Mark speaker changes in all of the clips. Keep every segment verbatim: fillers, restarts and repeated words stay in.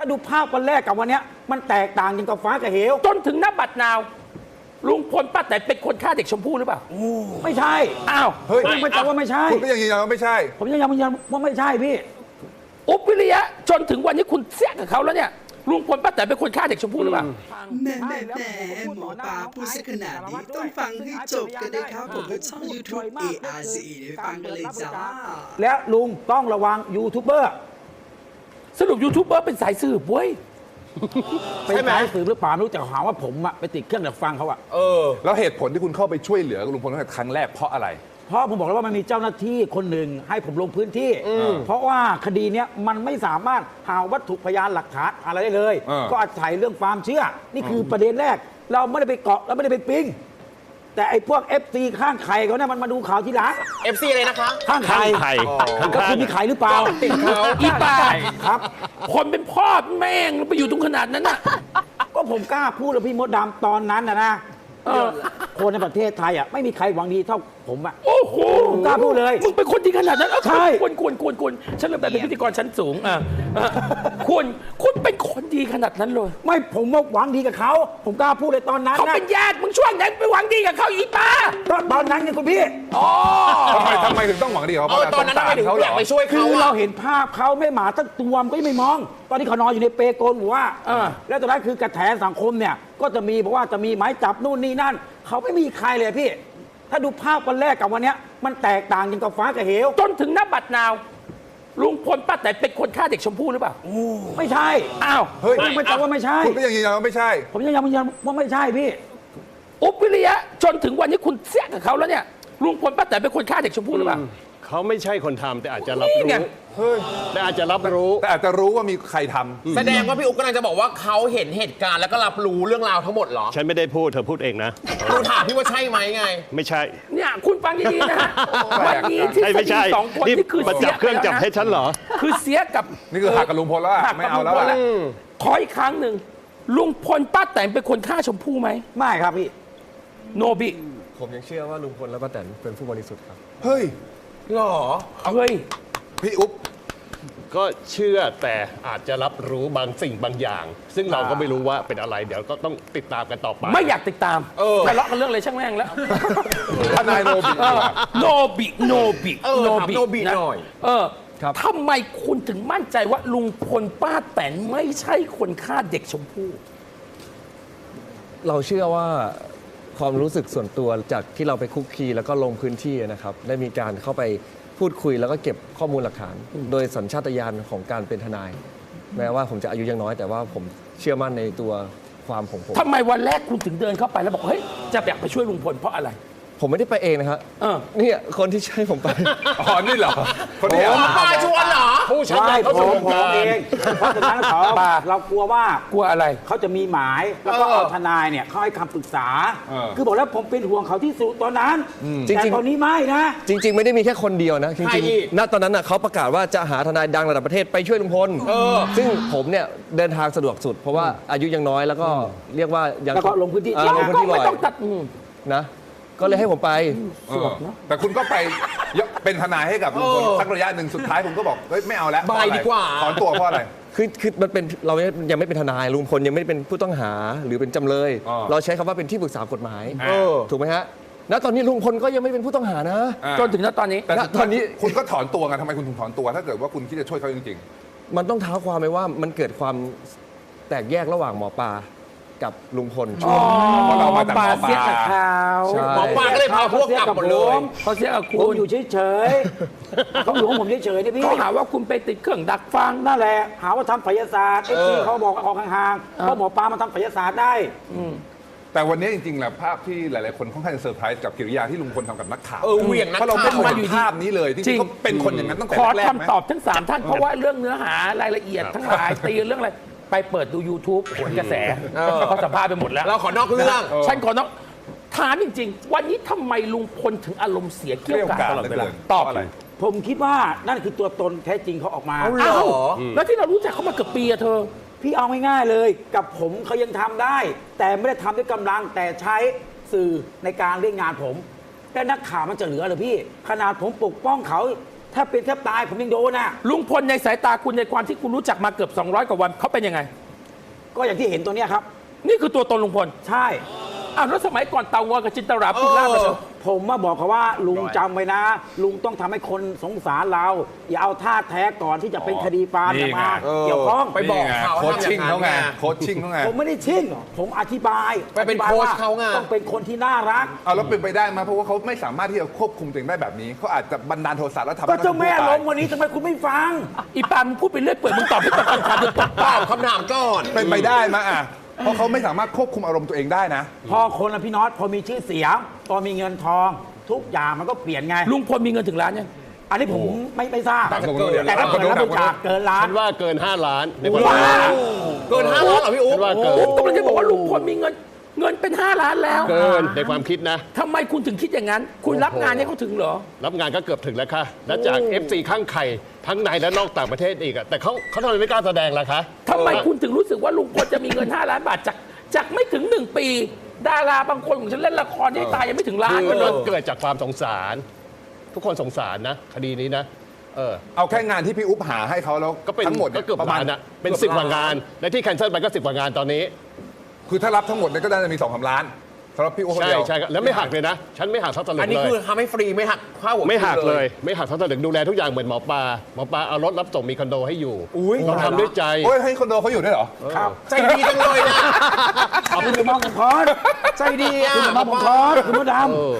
Speaker 1: าดูภาพวันแรกกับวันนี้มันแตกต่างอย่างกับฟ้ากับเหว
Speaker 2: จนถึงณบัดนาวลุงพลป้าแตนเป็นคนฆ่าเด็กชมพู่หรือเปล่า
Speaker 1: ไม่ใช่
Speaker 2: อ้าว
Speaker 3: เฮ้ย
Speaker 1: ไม่ใช่ว่าไม่ใช่
Speaker 3: คุณก็ยังยืนยันว่าไม่ใช่
Speaker 1: ผมยังยืนยันว่าไม่ใช่พี่
Speaker 2: อุ๊บวิริยะจนถึงวันนี้คุณเสียกับเขาแล้วเนี่ยลุงพลป้าแตนเป็นคนฆ่าเด็กชมพู่หรือเปล่า
Speaker 4: แม่แม่แม่หมอปลาพูดซะขนาดนี้ต้องฟังให้จบกันนะครับผมก็ช่อง ยูทูบ เอ อาร์ ซี ไปฟังกันเลยจ้า
Speaker 1: และลุงต้องระวังยูทูบเบอร์
Speaker 2: สรุปยูทูบเบอร์เป็นสายสืบเว้ย
Speaker 1: เป็นสายสืบหรือเปล่าไม่รู้แต่หาว่าผมอะไปติดเครื่องดักฟังเขาอะ
Speaker 3: เออแล้วเหตุผลที่คุณเข้าไปช่วยเหลือลุงพลตั้งแต่ครั้งแรกเพราะอะไร
Speaker 1: เพราะผมบอกแล้วว่ามันมีเจ้าหน้าที่คนหนึ่งให้ผมลงพื้นที่เพราะว่าคดีนี้มันไม่สามารถหาวัตถุพยานหลักฐานอะไรได้เลยก็อาศัยเรื่องความเชื่อนี่คือประเด็นแรกเราไม่ได้ไปเกาะเราไม่ได้ไปปิ้งแต่ไอ้พวก เอฟ ซี ข้างไข่เขาเนี่ยมันมาดูข่าวทีหลัง
Speaker 5: เอฟ ซี อะไรนะคะ
Speaker 1: ข้างไข่ก็คือมีไข่หรือเปล่า
Speaker 2: ติดเขาอีป่าครับคนเป็นพ่อแม่งไปอยู่ตรงขนาดนั้นน่ะ
Speaker 1: ก็ผมกล้าพูดเลยพี่มดดำตอนนั้นนะนะคนในประเทศไทยอ่ะไม่มีใครหวังดีเท่าผมอ่ะ
Speaker 2: โอ้โห
Speaker 1: ผมกล้าพูดเลย
Speaker 2: มึงเป็นคนดีขนาดนั้น
Speaker 1: ใช่
Speaker 2: คุณคุณคุณคุณฉันเริ่มแบบเป็นพิธีกรชั้นสูงอ่ะคุณคุณเป็นคนดีขนาดนั้นเลย
Speaker 1: ไม่ผมว่าหวังดีกับเขาผมกล้าพูดเลยตอนนั้น
Speaker 2: เขาเป็นญาติมึงช่วงนั้นไปหวังดีกับเขาอีป้า
Speaker 1: ตอนนั้นไงคุณพี่
Speaker 2: อ๋อ
Speaker 3: ทำไมทำไมถึงต้องหวังดีกับเขา
Speaker 5: ตอนนั้นทำไมถึงอยากไปช่วยเขา
Speaker 1: คือเราเห็นภาพเขาไม่หมาตั้งตัวมันก็ยังไม่มองตอนที่เขานอนอยู่ในเปโกนหัวแล้วตอนนั้นคือกระแสสังคมเนี่ยก็จะมีบอกว่าจะมีหมายจับนู่นนี่นั่นเขาไม่มีใครเลยพี่ถ้าดูภาพวันแรกกับวันนี้มันแตกต่างอย่างกับฟ้ากับเหว
Speaker 2: จนถึงณบัดนาวลุงพลป้าแตนเป็นคนฆ่าเด็กชมพู่หรือเปล่า
Speaker 1: ไม่ใช่
Speaker 2: อ้าว
Speaker 3: เฮ้ย
Speaker 1: ไม่ใช่ว่าไม่ใช่
Speaker 3: คุณก็ยังยืนยันว่าไม่ใช่
Speaker 1: ผมยังยืนยันว่าไม่ใช่พี่
Speaker 2: อุ๊บวิริยะจนถึงวันนี้คุณเสียกับเขาแล้วเนี่ยลุงพลป้าแตนเป็นคนฆ่าเด็กชมพู่หรือเปล่า
Speaker 6: เขาไม่ใช่คนทำแต่อาจจะรับรู้แต่อาจจะรับรู้
Speaker 3: แต่อาจจะรู้ว่ามีใครทำ
Speaker 5: แสดงว่าพี่อุ๊บกำลังจะบอกว่าเขาเห็นเหตุการณ์แล้วก็รับรู้เรื่องราวทั้งหมดเหรอ
Speaker 6: ฉันไม่ได้พูดเธอพูดเองนะ
Speaker 5: ดูถามพี่ว่าใช่ไหมไง
Speaker 6: ไม่ใช่
Speaker 2: เนี่ยคุณฟังดีๆนะวันนี้ที่
Speaker 6: ไม่ใช่
Speaker 2: สองคนนี่คือ
Speaker 6: เสียเครื่องจับให้ฉันเหรอ
Speaker 2: คือเสียกับ
Speaker 3: นี่คือหักกับลุงพลแล้วไม่เอาแล้ว
Speaker 2: ขออีกครั้งหนึ่งลุงพลป้าแตนเป็นคนฆ่าชมพู่ไหม
Speaker 1: ไม่ครับพี่
Speaker 2: โนบิ
Speaker 7: ผมยังเชื่อว่าลุงพลและป้าแตนเป็นผู้บริสุทธิ์ครับ
Speaker 3: เฮ้ย
Speaker 5: หรอ
Speaker 2: เฮ้ย
Speaker 3: พี่อุ๊บ
Speaker 6: ก็เชื่อแต่อาจจะรับรู้บางสิ่งบางอย่าง ซึ่งเราก็ไม่รู้ว่าเป็นอะไรเดี๋ยวก็ต้องติดตามกันต่อไป
Speaker 2: ไม่อยากติดตามทะเลาะกันเรื่องอะไรช่างแม่งแล้ว
Speaker 3: ทนายโนบิ
Speaker 2: โนบิโนบิ
Speaker 5: โนบิโนบิหน่อย
Speaker 2: เออทำไมคุณถึงมั่นใจว่าลุงพลป้าแตนไม่ใช่คนฆ่าเด็กชมพู่
Speaker 7: เราเชื่อว่าความรู้สึกส่วนตัวจากที่เราไปคุกคีแล้วก็ลงพื้นที่นะครับได้มีการเข้าไปพูดคุยแล้วก็เก็บข้อมูลหลักฐานโดยสัญชาตญาณของการเป็นทนายแม้ว่าผมจะอายุยังน้อยแต่ว่าผมเชื่อมั่นในตัวความของผม
Speaker 2: ทำไมวันแรกคุณถึงเดินเข้าไปแล้วบอกเฮ้ยจะอยากไปช่วยลุงพลเพราะอะไร
Speaker 7: ผมไม่ได้ไปเองนะครับนี่คนที่ใช้ผมไป
Speaker 3: อ๋อนี่เหรอคนที่
Speaker 5: มาชวนเหรอ
Speaker 1: ผู้ชายเขาผมผมเองเพราะฉะนั้นเขาเรากลัวว่าก
Speaker 2: ลัวอะไร
Speaker 1: เขาจะมีหมายแล้วก็เอาทนายเนี่ยเขาให้คำปรึกษาคือบอกแล้วผมเป็นห่วงเขาที่สุดตอนนั้นแต่ตอนนี้ไม่นะ
Speaker 7: จริงๆไม่ได้มีแค่คนเดียวนะจริงๆณตอนนั้นเขาประกาศว่าจะหาทนายดังระดับประเทศไปช่วยลุงพลซึ่งผมเนี่ยเดินทางสะดวกสุดเพราะว่าอายุยังน้อยแล้วก็เรียกว่ายัง
Speaker 1: ลงพื้นที่
Speaker 7: ลงพื้นที่บ่อยนะก็เลยให้ผมไป
Speaker 3: แต่คุณก็ไปเป็นทนายให้กับลุงพลสักระยะหนึ่งสุดท้ายผมก็บอกเฮ้ยไม่เอาแล้ว
Speaker 5: บายดีกว่า
Speaker 3: ถอนตัวเพราะอะไร
Speaker 7: คือคือมันเป็นเรายังไม่เป็นทนายลุงพลยังไม่ได้เป็นผู้ต้องหาหรือเป็นจำเลยเราใช้คำว่าเป็นที่ปรึกษากฎหมายถูกไหมฮะณตอนนี้ลุงพลก็ยังไม่เป็นผู้ต้องหานะ
Speaker 2: จนถึงณตอนนี้
Speaker 3: แต่ตอนนี้คุณก็ถอนตัวกันทำไมคุณถึงถอนตัวถ้าเกิดว่าคุณคิดจะช่วยเขาจริง
Speaker 7: ๆมันต้องเท้าความไปว่ามันเกิดความแตกแยกระหว่างหมอปลากับลุงพลช่วง
Speaker 3: เพราะเรามาจากหมอปลา
Speaker 2: เสียกับเขา
Speaker 5: หมอปลาก็เลยพาพวกกลับหมดเลย
Speaker 2: เขาเสียกับคุณ
Speaker 1: อยู่เฉยๆเขาอยู่ของผมเฉยๆนี่พี่
Speaker 2: เขาหาว่าคุณไปติดเครื่องดักฟัง
Speaker 1: นั่นแหละหาว่าทำไสยศาสตร์ไอ้ที่เขาบอกออกห่างๆเพราะหมอปลามาทำไสยศาสตร์ได้
Speaker 3: แต่วันนี้จริงๆแหละภาพที่หลายๆคนค่อนข้างจะเซอร์ไพรส์กับกิริยาที่ลุงพลทำกับนักข่าว
Speaker 5: เออเหวี่ยงนักข่าว
Speaker 3: เพราะเราไม่เคยเห็นภาพนี้เลยจริงๆเขาเป็นคนอย่างนั้นตั้งแต่แรก
Speaker 2: ๆขอคำตอบทั้งสามท่านเพราะว่าเรื่องเนื้อหารายละเอียดทั้งหลายตีเรื่องอะไรไปเปิดดู ยูทูบ ผลกระแสเขาสัมภาษณ์ไปหมดแล้ว
Speaker 5: เราขอนอกเรื่อง
Speaker 2: ฉันขอนอกถามจริงๆวันนี้ทำไมลุงพลถึงอารมณ์เสียเกี่ยวกับตลอดเวลา
Speaker 3: ตอบอะไร
Speaker 1: ผมคิดว่านั่นคือตัวตนแท้จริงเขาออกมา
Speaker 2: อ้าวแล้วที่เรารู้จักเขามาเกือบปีอะเธอ
Speaker 1: พี่เอาง่ายๆเลยกับผมเขายังทำได้แต่ไม่ได้ทำด้วยกำลังแต่ใช้สื่อในการเล่นงานผมแต่นักข่าวมันจะเหลือหรือพี่ขนาดผมปกป้องเขาถ้าเป็นแทบตายผมยังโดนอ่ะ
Speaker 2: ลุงพลในสายตาคุณในความที่คุณรู้จักมาเกือบสองร้อยกว่าวันเขาเป็นยังไง
Speaker 1: ก็อย่างที่เห็นตัวเนี้ยครับ
Speaker 2: นี่คือตัวตนลุงพล
Speaker 1: ใช่
Speaker 2: อ้าวแล้วสมัยก่อนเตางอยกับจินตราพูดล่ากันเหรอ
Speaker 1: ผมมาบอกเขาว่าลุงจำไว้นะ ลุงต้องทำให้คนสงสารเรา อย่าเอาท่าแท้ก่อนที่จะเป็นคดีความ
Speaker 3: นี่
Speaker 1: อย่ามา
Speaker 3: ไง
Speaker 1: เกี่ยวข้อง
Speaker 5: ไปบอก
Speaker 3: นี่ไง
Speaker 5: เขา
Speaker 3: โค้ช
Speaker 5: ทำอย่างนั้น
Speaker 3: ชิ่งเขาไง
Speaker 5: ไง
Speaker 3: โค้ชชิ่งเขาไง
Speaker 1: ผมไม่ได้ชิ่งผมอธิบาย
Speaker 5: ไปเป็น
Speaker 1: อธิบย
Speaker 5: โค้ช
Speaker 1: ว่
Speaker 5: เขาไง
Speaker 1: ต้องเป็นคนที่น่ารัก
Speaker 3: เอาแล้วเป็นไปได้ไหมเพราะว่าเขาไม่สามารถที่จะควบคุมตัวเองได้แบบนี้เขาอาจจะบันดาลโทสะแล้วทำให้
Speaker 1: ก็เจ้าแม่
Speaker 3: น้องช
Speaker 1: ล
Speaker 3: พู่
Speaker 1: งวันนี้ทำไมคุณไม่ฟัง
Speaker 2: อีปามึงพูดไปเรื่อยเปื่อยมึงตอบไม่ตอบคำถามจะตอบ
Speaker 5: ต
Speaker 2: เปล่า
Speaker 5: อบคำถามก่อน
Speaker 3: ตายเป็นไปได้ไหมอ่ะเพราะเขาไม่สามารถควบคุมอารมณ์ตัวเองได้นะ
Speaker 1: พอคนละพี่น็อตพอมีชื่อเสียงพอมีเงินทอง ทุกอย่างมันก็เปลี่ยนไง
Speaker 2: ลุงพลมีเงินถึงล้านยัง
Speaker 1: อันนี้ผมไม่ไม่ทราบ
Speaker 3: ต่างคนเดียว
Speaker 1: แต่ถ้าเกิดรับบริจาคเกินล้าน
Speaker 6: ฉันว่าเกิน ห้า ล้านในความ
Speaker 1: ว้า
Speaker 5: เกินห้าล้านเหรอพี่อุ๊
Speaker 6: ฉั
Speaker 5: บ
Speaker 6: นว่าเกิน
Speaker 2: ผมกำลังจะบอกว่าลุงพลมีเงินเงินเป็นห้าล้านแล้ว
Speaker 6: เกินในความคิดนะ
Speaker 2: ทำไมคุณถึงคิดอย่างนั้น คุณรับงานให้เขาถึงเหรอ
Speaker 6: รับงานก็เกือบถึงแล้วค่ะ และจาก เอฟ ซี ข้างไข่ทั้งในและนอกต่างประเทศอีกอะแต่เขาเขาทำไมไม่กล้าแสดงล่ะคะ
Speaker 2: ทำไมคุณถึงรู้สึกว่าลุงพลจะมีเงินห้าล้านบาทจากจากไม่ถึงหนึ่งปี ดาราบางคนของฉันเล่นละครที่ตายยังไม่ถึงล้าน
Speaker 6: คือ
Speaker 2: เล
Speaker 6: มั
Speaker 2: ย
Speaker 6: นเกิดจากความสงสาร ทุกคนสงสารนะ คดีนี้นะ เออ
Speaker 3: เอาแค่งานที่พี่อุ๊บหาให้เขาแล้ว
Speaker 6: ก็เป็น
Speaker 3: ทั้งหมด
Speaker 6: ก็เกือบ
Speaker 3: ประมาณ
Speaker 6: ล้านอะเป็นสิบกว่างาน และที่แคนเซิลไปก็สิบกว่างานตอนนี้
Speaker 3: คือถ้ารับทั้งหมดเนี่ยก็น่าจะมีสองสามล้านสำหรับพี่อุ๊บคน
Speaker 6: ใช่
Speaker 3: เดียว
Speaker 6: ใช่ครับแล้วไม่หักเลยนะ ฉันไม่หักเท่าตะลึ
Speaker 5: อัน
Speaker 6: ง
Speaker 5: นี้
Speaker 6: เล
Speaker 5: คื
Speaker 6: ย
Speaker 5: อทำให้ฟรีไม่หักค่าหัว
Speaker 6: ไม่หักเลย ไม่หักเท่าตะลึงดูแลทุกอย่างเหมือนหมอปลาหมอปลาเอารถรับส่งมีคอนโดให้อยู่
Speaker 3: อุ๊ย
Speaker 6: เราทำด้วยใจ
Speaker 3: โอ้ยให้คอนโดเขาอยู่ด้วยเหรอ
Speaker 1: ครับ
Speaker 5: ใจดีจังเลยนะ
Speaker 1: คุณจะมองผมคอน
Speaker 5: ใจดีอ่ะ
Speaker 1: คุณจะมองผมคอนคุณมดด
Speaker 6: เออ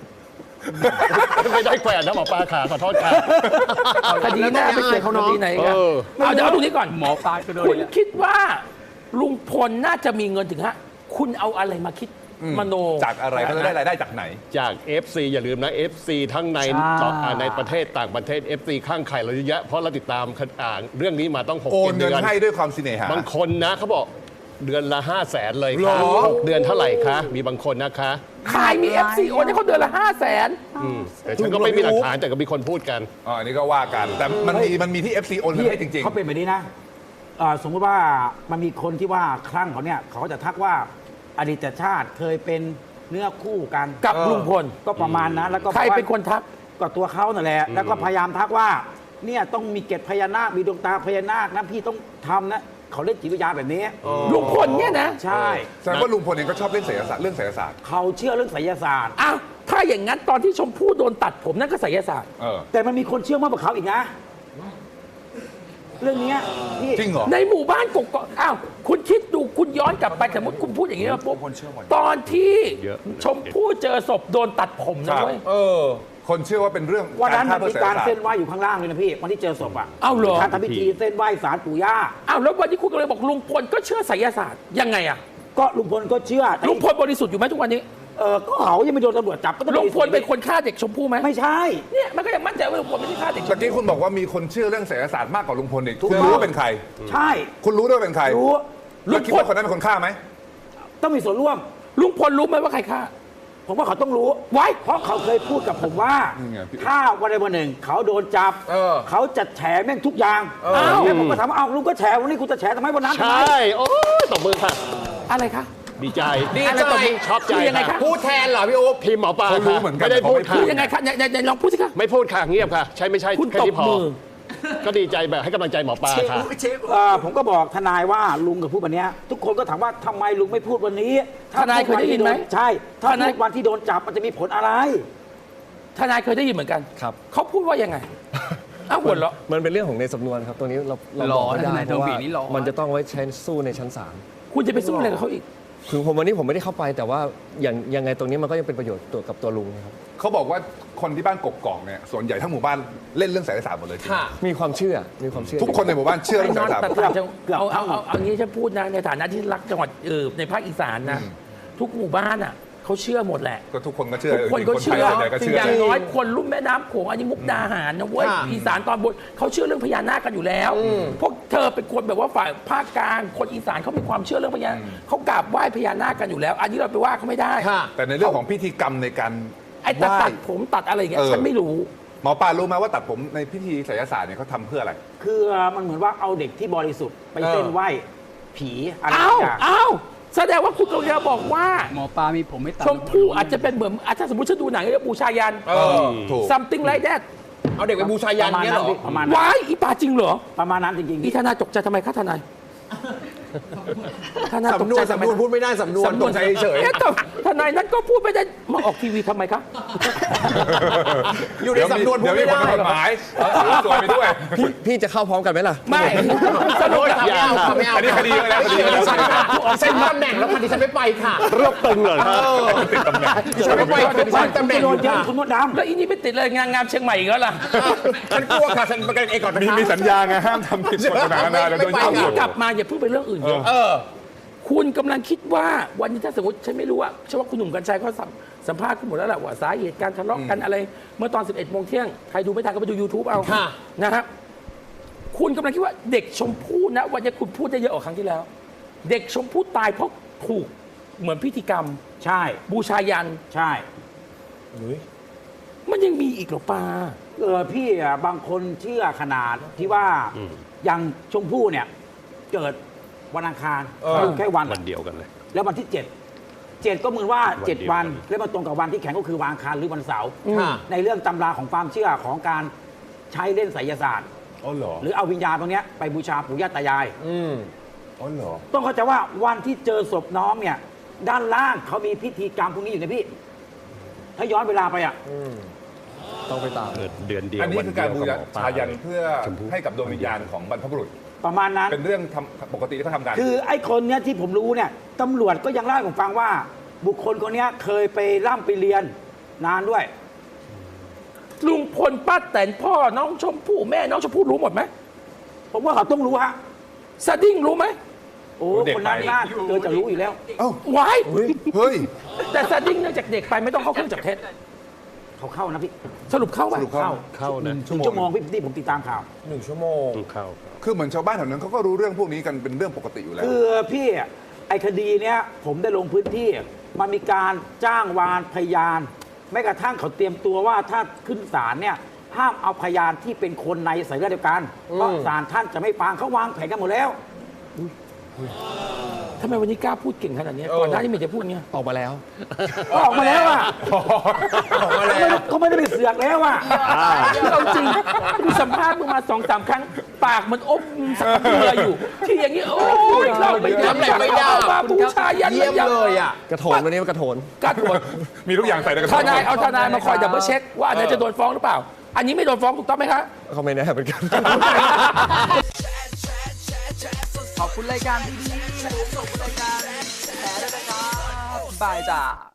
Speaker 6: ไม่ได้แขวนนะหมอปลาขาขอโทษค่ะ
Speaker 2: คดีหน้าไปเจอเขาคดีไหนกัน
Speaker 6: เออ
Speaker 2: เอาเดี๋ยวเอาตรงนี้ก่อน
Speaker 1: หมอปลาก็โดน
Speaker 2: คุณคิดว่าลุงพลน่าจะมีเงินถึงฮะ คุณเอาอะไรมาคิดมโน
Speaker 3: จากอะไรเขาจะได้รายได้จากไหน
Speaker 6: จาก เอฟ ซี อย่าลืมนะ เอฟ ซี ทั้งใน
Speaker 1: ใช่
Speaker 6: ต่ออ่าในประเทศต่างประเทศ เอฟ ซี ข้างไข่เราเยอะแยะเพราะเราติดตามอ่าเรื่องนี้มาต้องหก
Speaker 3: โอน
Speaker 6: เจ็ด
Speaker 3: เงิน
Speaker 6: เดือน
Speaker 3: ให้ด้วยความสิเนหา
Speaker 6: บางคนนะเขาบอกเดือนละห้าแสนเลยค่ะ
Speaker 3: หรอ
Speaker 6: หกเดือนเท่าไหร่คะมีบางคนนะคะ
Speaker 2: ใครมี เอฟ ซี โอนให้เขาเดือนละห้าแสน
Speaker 6: อืมแต่ฉันก็ไม่มีหลักฐานแต่ก็มีคนพูดกัน
Speaker 3: อ๋ออันนี้ก็ว่ากัน แต่มันมีมันมีที่ เอฟ ซี โอนเงินให้จริง
Speaker 1: เขาเป็นแบบนี้นะเอ่อสมมติว่ามันมีคนที่ว่าคลั่งเขาเนี่ยเขาก็จะทักว่าอดีตชาติเคยเป็นเนื้อคู่กัน
Speaker 2: กับลุงพล
Speaker 1: ก็ประมาณนั้นแล้วก็
Speaker 2: ใครเป็นคนทัก
Speaker 1: ก็ตัวเขานั่นแหละ แล้วก็พยายามทักว่า เนี่ยต้องมีเกล็ดพญานาคมีดวงตาพญานาคนะพี่ต้องทำนะเขาเล่นจิตวิทยาแบบนี้
Speaker 2: ลุงพลเนี่ยนะ
Speaker 1: ใช่
Speaker 3: ๆแสดงว่าลุงพลเองก็ชอบเล่นไสยศาสตร์เรื่องไสยศาสตร์
Speaker 1: เขาเชื่อเรื่องไสยศาสตร์
Speaker 2: อ้าว ถ้าอย่างนั้นตอนที่ชมพู่โดนตัดผมนั่นก็ไสยศาสตร์
Speaker 3: เออ
Speaker 1: แต่มันมีคนเชื่อมากกว่าเขาอีกนะ เรื่องเนี้ยพี่
Speaker 3: จริงเหรอ
Speaker 2: ในหมู่บ้านกกอกอ้าว คุณคิดดูคุณย้อนกลับไปสมมติคุณพูดอย่างนี้มาปุ๊บตอนที่
Speaker 6: เยอะ
Speaker 2: ชมพู่เจอศพโดนตัดผมนะเว้ย
Speaker 5: เออ
Speaker 3: คนเชื่อว่าเป็นเรื่อง
Speaker 1: วันนั้น
Speaker 3: ฆ่า
Speaker 1: มัน
Speaker 3: เพื่อ
Speaker 1: มี
Speaker 3: ไสย
Speaker 1: การ
Speaker 3: ศาสต
Speaker 1: เส้น
Speaker 3: ร์
Speaker 1: ไหว้อยู่ข้างล่างเลยนะพี่วันที่เจอศพอ่ะ
Speaker 2: อ้าวเหรอ
Speaker 1: การทำพิธีเส้นไหว้ศาลปู่ย่า
Speaker 2: อ้าวแล้ววันนี้คุณก็เลยบอกลุงพลก็เชื่อไสยศาสตร์ยังไงอะ
Speaker 1: ก็ลุงพลก็เชื่อแต่
Speaker 2: ลุงพลบริสุทธิ์อยู่ไหมทุกวันนี้
Speaker 1: เออก็เขายังไม่โดนตำรวจจับก็ต้อง
Speaker 2: ลุงพลเป็นคนฆ่าเด็กชมพู่ไหม
Speaker 1: ไม่ใช่
Speaker 2: เนี่ยมันก็ยังมั่นใจว่าลุงพลไม่ได้ฆ่าเด็กช
Speaker 3: ตะ
Speaker 2: ม
Speaker 3: กี้
Speaker 2: พู่
Speaker 3: คุณบอกว่ามีคนเชื่อเรื่องไสยศาสตร์มากกว่าลุงพลอีก
Speaker 1: ถูก
Speaker 3: คุณ
Speaker 1: ต้อง
Speaker 3: รู้ว่าเป็นใคร
Speaker 1: ใช่
Speaker 3: คุณรู้ด้วยว่าเป็นใคร
Speaker 1: รู้
Speaker 3: แล้วคิดว่าคนนั้นเป็นคนฆ่าไหม
Speaker 1: ต้องมีส่วนร่วม
Speaker 2: ลุงพลรู้ไหมว่าใครฆ่า
Speaker 1: ผมว่าเขาต้องรู้
Speaker 2: ไว้
Speaker 1: เพราะเขาเคยพูดกับผมว่า
Speaker 3: นี่ไงพี่
Speaker 1: ถ้าวันใดวันหนึ่ง เขาโดนจับ
Speaker 5: เออ
Speaker 1: เขาจะแฉแม่งทุกอย่าง
Speaker 2: อ้าว
Speaker 1: แล้วผมก็ถามว่าอ้าวลุงก็แฉวันนี้คุณจะแฉทำไมวันนั้น
Speaker 6: ใช
Speaker 1: ทำไม
Speaker 6: ่ โอ้ยตบมือค่ะ
Speaker 2: อะไรคะ
Speaker 6: ดีใจ
Speaker 5: ดี
Speaker 2: อะไร
Speaker 5: ใจ
Speaker 2: ตบมือ
Speaker 6: ชอบใจ
Speaker 2: คือยังไง
Speaker 6: ค่ะ
Speaker 2: คะ
Speaker 5: พูดแทนเหรอพี่อุ๊บ
Speaker 6: ทีมหมอปลา
Speaker 3: เขารู้
Speaker 6: ค่ะ
Speaker 3: เหมือนกัน
Speaker 6: ไม่ได้พูด
Speaker 3: แต่เขาไม่
Speaker 6: ค่ะ
Speaker 2: คือยังไงคะไหนไหนไหนลองพูดสิคะ
Speaker 6: ไม่พูดค่ะเงียบค่ะ ใช่ไม่ใช่
Speaker 2: คุณ
Speaker 6: แค่
Speaker 2: ตบ
Speaker 6: นี้พอ
Speaker 2: มือ
Speaker 6: ก็ดีใจแบบให้กำลังใจหมอปลาค่ะ
Speaker 1: เอ่อผมก็บอกทนายว่าลุงกับพูดวันเนี้ยทุกคนก็ถามว่าทำไมลุงไม่พูดวันนี้ถ้
Speaker 2: ทนายเคยได้ยินไหม
Speaker 1: ใช่ถ้า
Speaker 2: ทนาย
Speaker 1: พูดวันที่โดนจับมันจะมีผลอะไร
Speaker 2: ทนายเคยได้ยินเหมือนกัน
Speaker 7: ครับ
Speaker 2: เขาพูดว่ายังไงอ้าวหัวเราะ
Speaker 7: มันเป็นเรื่องของในสำนวนครับ ตรงนี้เราเราบอกไม่ได้เพราะว่ามันจะต้องไว้ใช้สู้ในชั้นศาล
Speaker 2: คุณจะไปสู้อะไรกับเขาอีก
Speaker 7: คือผมวันนี้ผมไม่ได้เข้าไปแต่ว่าอย่างยังไงตรงนี้มันก็ยังเป็นประโยชน์ตัวกับตัวลุงนะครับ
Speaker 3: เขาบอกว่าคนที่บ้านกกอกเนี่ยส่วนใหญ่ทั้งหมู่บ้านเล่นเรื่องไสยศาสตร์หมดเลยจริง
Speaker 5: ค่ะ
Speaker 7: มีความเชื่อมีความเชื่อ
Speaker 3: ทุกคนในหมู่บ้านเชื่อเรื่องไสยศาสตร์
Speaker 2: แต่
Speaker 3: หมด
Speaker 2: ต่างจังเอาเอาเอาเอางี้ฉันพูดนะในฐานะที่รักจังหวัดเออในภาคอีสานนะ ทุกหมู่บ้านอ่ะเขาเชื่อหมดแหละ
Speaker 3: ก็ทุกคนก็เชื่อ
Speaker 2: ทุกคนก็เชื่อ
Speaker 3: คนไทยส่วนใหญ่ก็เชื่อ
Speaker 2: อย่างน้อยคนรุ่มแม่น้ำโขงอันนี้มุกดาหารนะเว้ย
Speaker 5: ค่ะ
Speaker 2: อีสานตอนบนเขาเชื่อเรื่องพญานาคกันอยู่แล้ว พวกเธอเป็นคนแบบว่าฝ่ายภาคกลางคนอีสานเขามีความเชื่อเรื่องพญานาคเขากราบไหว้พญานาคกันอยู่แล้ว อันนี้เราไปว่าเขาไม่ได้
Speaker 5: ค่ะ
Speaker 3: แต่ในเรื่องของพิธีกรรมในการ
Speaker 2: ไอ้ตัด
Speaker 3: ไหว้
Speaker 2: ตัดผมตัดอะไรอย่างเงี้ย
Speaker 3: เออ
Speaker 2: ฉันไม่รู้
Speaker 3: หมอปลารู้ไหมว่าตัดผมในพิธีไสยศาสตร์เนี่ยเขาทำเพื่ออะไร
Speaker 1: คือมันเหมือนว่าเอาเด็กที่บริสุทธิ์ไป
Speaker 3: เออ
Speaker 1: เส้นไหว้ผีอะไร
Speaker 2: อ้าว
Speaker 1: อย่าง
Speaker 2: อ้าวแสดงว่าคุณกำลังจะบอกว่า
Speaker 8: หมอปลามีผมไม่ตัด
Speaker 2: ชมพู่อาจจะเป็นเหมือนอาจจะสมมติฉันดูหนังเรื่องบูชายัน
Speaker 3: เออถูก
Speaker 2: something like that
Speaker 5: เอาเด็กไปบูชายันเนี่ยเหรอ
Speaker 1: ประมาณนั้น
Speaker 2: ว้ายอีปาจริงเหรอ
Speaker 1: ประมาณนั้นจริงๆ
Speaker 2: อีทนายตกใจทำไมคะทนายทนายตก
Speaker 5: สำนว
Speaker 2: ใจ
Speaker 5: น
Speaker 2: ทำไม
Speaker 5: สำนวนพูดไม่ได้สำนวนตกใจเฉย
Speaker 2: อ๊ะแต่ทนายนั้นก็พูดไม่ได้มาออกทีวีทำไมคะ
Speaker 5: อยู่ในสำนวนพูดไม่ได้
Speaker 3: เดี๋ยวมีคนกฎหมายเอาสวยไปด้วย
Speaker 7: พี่พี่จะเข้าพร้อมกันไหมล่ะ
Speaker 2: ไม่สรุปแล้ว
Speaker 5: ไม่เอาค่ะไม่เอา
Speaker 3: อันนี้คดีอะไรนะคดีอะไร
Speaker 5: ดิฉันค่ะดิฉันมีตำแหน่งแล้วค่ะดิฉันไม่ไปค่ะ
Speaker 6: รวบตึงเลยครับ
Speaker 3: ติดตำแหน่ง
Speaker 5: ดิฉันไม่ไปค่ะดิฉันตำแหน่ง
Speaker 1: โด
Speaker 5: อน ยู่
Speaker 1: เยอะ
Speaker 5: ค่ะ
Speaker 1: คุณมดดำ
Speaker 2: แล้วอีนี่ไปติดเลยงานงามเชียงใหม่อีกแล้วล่ะ
Speaker 5: ฉันกลัวค่ะฉันประกันเองก่อนนะ
Speaker 3: มี
Speaker 5: คะ
Speaker 3: มีสัญญาไงห้ามทำผิดกฎหมายนะแล้วโดน
Speaker 5: ไม่
Speaker 3: จั
Speaker 2: เอา
Speaker 3: บ
Speaker 2: งี้
Speaker 3: หมด
Speaker 2: กลับมาอย่าเพิ่งไปเรื่องอื่นเยอะ
Speaker 5: เออ
Speaker 2: คุณกำลังคิดว่าวันนี้ถ้าสมมติฉันไม่รู้ว่าเชื่อว่าคุณหนุ่มกัญชัยเขาสัมสัมภาษณ์คุณหมดแล้วแหละว่าสาเหตุการทะเลาะกันอะไร เมื่อตอนสิบเอ็ดโมงเที่ยงใครดูไม่ทันก็ไปดู YouTube เอา
Speaker 5: ค่ะ
Speaker 2: นะครับคุณกำลังคิดว่าเด็กชมพู่นะวันนี้คุณพูดได้เยอะกว่าครั้งที่แล้ว เด็กชมพู่ตายเพราะถูกเหมือนพิธีกรรม
Speaker 1: ใช่
Speaker 2: บูชายัน
Speaker 1: ใช่
Speaker 2: มันยังมีอีกเหรอปา
Speaker 1: เออพี่อะบางคนเชื่อขนาดที่ว่าอย่างชมพู่เนี่ย เกิดวันอังคาร
Speaker 5: เออ
Speaker 1: แค่วัน
Speaker 6: วันเดียวกันเลย
Speaker 1: แล้ววันที่เจ็ดเจ็ดก็เหมือนว่า
Speaker 6: วันเดียว
Speaker 1: เจ็ดวัน
Speaker 6: กัน
Speaker 1: แล้วมันตรงกับวันที่แข่งก็คือวันอังคารหรือวันเสาร์
Speaker 5: ค่ะ
Speaker 1: ในเรื่องตำราของความเชื่อของการใช้เล่นไสยศาสตร์
Speaker 3: อ๋อเหรอ
Speaker 1: หรือเอาวิญญาณตรงเนี้ยไปบูชาปู่ย่าตายาย
Speaker 5: อืม
Speaker 3: อ๋อเหรอ
Speaker 1: ต้องเข้าใจว่าวันที่เจอศพน้องเนี่ย ด้านล่างเขามีพิธีกรรมพวกนี้อยู่นะพี่ ถ้าย้อนเวลาไปอ่ะ
Speaker 7: ต้องไปตาม
Speaker 6: เกิดเดือนเดียว
Speaker 3: อันนี้
Speaker 6: วัน
Speaker 3: คือ
Speaker 6: เดี
Speaker 3: การ
Speaker 6: ยว
Speaker 3: บู
Speaker 6: กับหมอปลา
Speaker 3: ชายันเพื่อ
Speaker 6: ชมพู่
Speaker 3: ให้กับดวงวิญญาณของบรรพบุรุษ
Speaker 1: ประมาณนั้น
Speaker 3: เป็นเรื่องทำปกติที่เขาทำกัน
Speaker 1: คือไอ้คนเนี้ยที่ผมรู้เนี่ยตำรวจก็ยังเล่าให้ผมฟังว่า บุคคลคนเนี้ยเคยไปร่ำไปเรียนนานด้วย
Speaker 2: ลุงพลป้าแตนพ่อน้องชมพู่แม่น้องชมพู่รู้หมดไหม
Speaker 1: ผมว่าเขาต้องรู้ฮะ
Speaker 2: สดิ้งรู้ไหม
Speaker 1: โอ้
Speaker 3: เด็ก
Speaker 1: คนนั้น
Speaker 3: ไป
Speaker 1: น่าเจอจะรู้อยู่แล้ว
Speaker 3: เอ้า
Speaker 2: ว้าย
Speaker 3: เฮ้ย
Speaker 2: แต่สดิ้งเนื่องจากเด็กไปไม่ต้องเข้าเครื่องจับเท็จ
Speaker 1: เขาเข้านะพี่
Speaker 2: สรุปเข้าไหม
Speaker 3: สรุปเข้า
Speaker 6: เข้า
Speaker 1: ห
Speaker 6: นะ
Speaker 1: นึ่งชั่วโมงพี่ที่ผมติดตามข่าว
Speaker 5: หนึ่งชั่วโมง
Speaker 6: เข้า
Speaker 3: คือเหมือนชาวบ้านแถวนั้นเขาก็รู้เรื่องพวกนี้กันเป็นเรื่องปกติอยู่แล้ว
Speaker 1: คือพี่ไอ้คดีเนี้ยผมได้ลงพื้นที่ มันมีการจ้างวานพยานแม้กระทั่งเขาเตรียมตัวว่าถ้าขึ้นศาลเนี่ยห้ามเอาพยานที่เป็นคนในสายเลือดเดียวกัน เพราะศาลท่านจะไม่ฟังเขาวางแผนกันหมดแล้ว
Speaker 2: ทำไมวันนี้กล้าพูดเก่งขนาดนี้ก่อนหน้านี้ไม่จะพูดเงี้ย
Speaker 7: ออกมาแล้ว
Speaker 1: ก็ออกมาแล้วอ่ะ
Speaker 5: ออกมาแล้ว
Speaker 1: ก็ไม่ได้ไปเสือกแล้วอ่ะ
Speaker 2: เอาจริงกูสัมภาษณ์มึงมาสองสามครั้ง ปากมันอมสักเบื่ออยู่ ที่อย่างนี้โอ้ยเราไม่ได้
Speaker 5: รับแหล่งไม่ได้
Speaker 2: เอามาบูชายัน
Speaker 5: เยี่ยมเลยอ่ะ
Speaker 7: กระโถนวันนี้มันกระโถน
Speaker 2: กระโดด
Speaker 3: มีทุกอย่างใส่ในกระ
Speaker 2: ท
Speaker 3: เป๋า
Speaker 2: นายเอาทนายมาคอยดับเบิลเช็คว่าอันไหนจะโดนฟ้องหรือเปล่า อันนี้ไม่โดนฟ้องถูกต้องไหมคะ
Speaker 7: เขาไม่แน่เหมือนกัน
Speaker 8: ขอบคุณรายการดีๆและขอบคุณรายการแชร์ด้วยนะครับบายจ้า